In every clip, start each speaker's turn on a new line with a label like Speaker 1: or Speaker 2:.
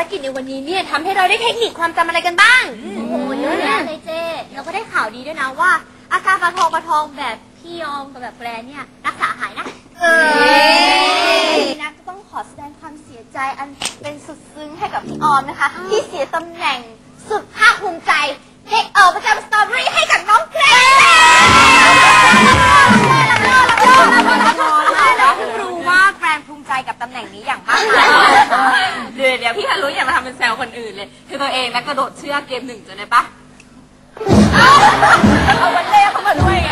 Speaker 1: กิจในวันนี้เนี่ยทำให้เราได้เทคนิคความจำอะไรกันบ้าง
Speaker 2: โอ้โหเยอะแยะเลยเจ๊เราก็ได้ข่าวดีด้วยนะว่าอาการประทองแบบพี่ยอมกับแบบแกรนเนี่ยรักษาหายนะนะก็ต้องขอแสดงความเสียใจอันเป็นสุดซึ้งให้กับพี่ออมนะคะที่เสียตำแหน่งสุดภาคภูมิใจได้ประจำสตรอเบอรี่ให้กับน้องแกรน
Speaker 1: แล้วเพิ่งรู้ว่าแกรนภูมิใจกับตำแหน่งนี้อย่างมากเดี๋ยวพี่ฮารุอย่ามาทำเป็นแซวคนอื่นเลยคือตัวเองนะกระโดดเชือกเกม1จนได้ปะเอาวันเล่เข้ามาด้วยไง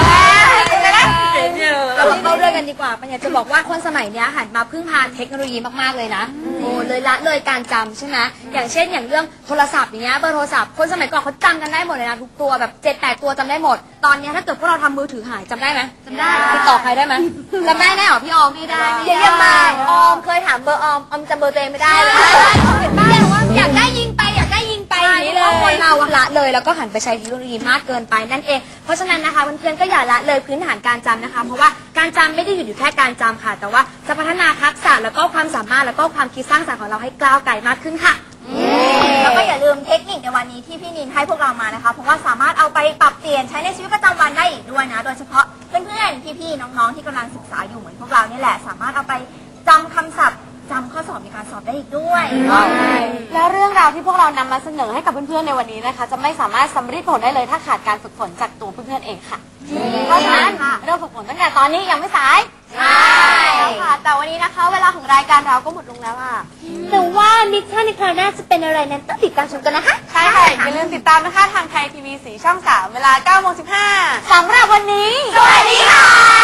Speaker 1: เราเข้าด้วยกันดีกว่าปัญญาจะบอกว่าคนสมัยนี้หันมาพึ่งพาเทคโนโลยีมากๆเลยนะโอ้เลยละเลยการจำใช่ไหมอย่างเช่นอย่างเรื่องโทรศัพท์อย่างเงี้ยเบอร์โทรศัพท์คนสมัยก่อนเขาจำกันได้หมดเลยนะทุกตัวแบบ7-8 ตัวจำได้หมดตอนนี้ถ้าเกิดพวกเราทำมือถือหายจำได้ไหมจำได้ติดต่อใครได้ไหมจำได้แน่หรอพี่ออมไม่ได้เดี๋ยวมาออมเคยถามเบอร์ออมจำเบอร์ตัวเองไม่ได้เลยอยากได้ยิงไปอย่างนี้เลยคนเราละเลยแล้วก็หันไปใช้เทคโนโลยีมากเกินไปนั่นเองเพราะฉะนั้นนะคะเพื่อนๆก็อย่าละเลยพื้นฐานการจำนะคะเพราะว่าการจำไม่ได้หยุดอยู่แค่การจำค่ะแต่ว่าจะพัฒนาทักษะแล้วก็ความสามารถแล้วก็ความคิดสร้างสรรค์ของเราให้ก้าวไกลมากขึ้นค่ะ
Speaker 2: แล้วก็อย่าลืมเทคนิคในวันนี้ที่พี่นินให้พวกเรามานะคะเพราะว่าสามารถเอาไปปรับเปลี่ยนใช้ในชีวิตประจำวันได้อีกด้วยนะโดยเฉพาะเพื่อนๆพี่ๆน้องๆที่กำลังศึกษาอยู่เหมือนพวกเรานี่แหละสามารถเอาไปจำคำศัพท์จำข้อสอบในการสอบได้อีกด้วย
Speaker 1: แล้วเรื่องราวที่พวกเรานำมาเสนอให้กับเพื่อนๆในวันนี้นะคะจะไม่สามารถสำเร็จผลได้เลยถ้าขาดการฝึกฝนจากตัวเพื่อนๆเองค่ะเพราะฉะนั้นเริ่มฝึกฝนตั้งแต่ตอนนี้ยังไม่สาย
Speaker 2: ใช่ค่ะแต่วันนี้นะคะเวลาของรายการเราก็หมดลงแล้วอ่ะ
Speaker 1: แต่ว่ามิชชั่นในคราวหน้าจะเป็นอะไรนั้นต้องติดตามชมกันนะคะ
Speaker 2: ใช่ค่ะอย่าลืมติดตามนะคะทางไทยทีวี4 ช่อง 3เวลา 9:15
Speaker 1: สำหรับวันนี้
Speaker 2: สวัสดีค่ะ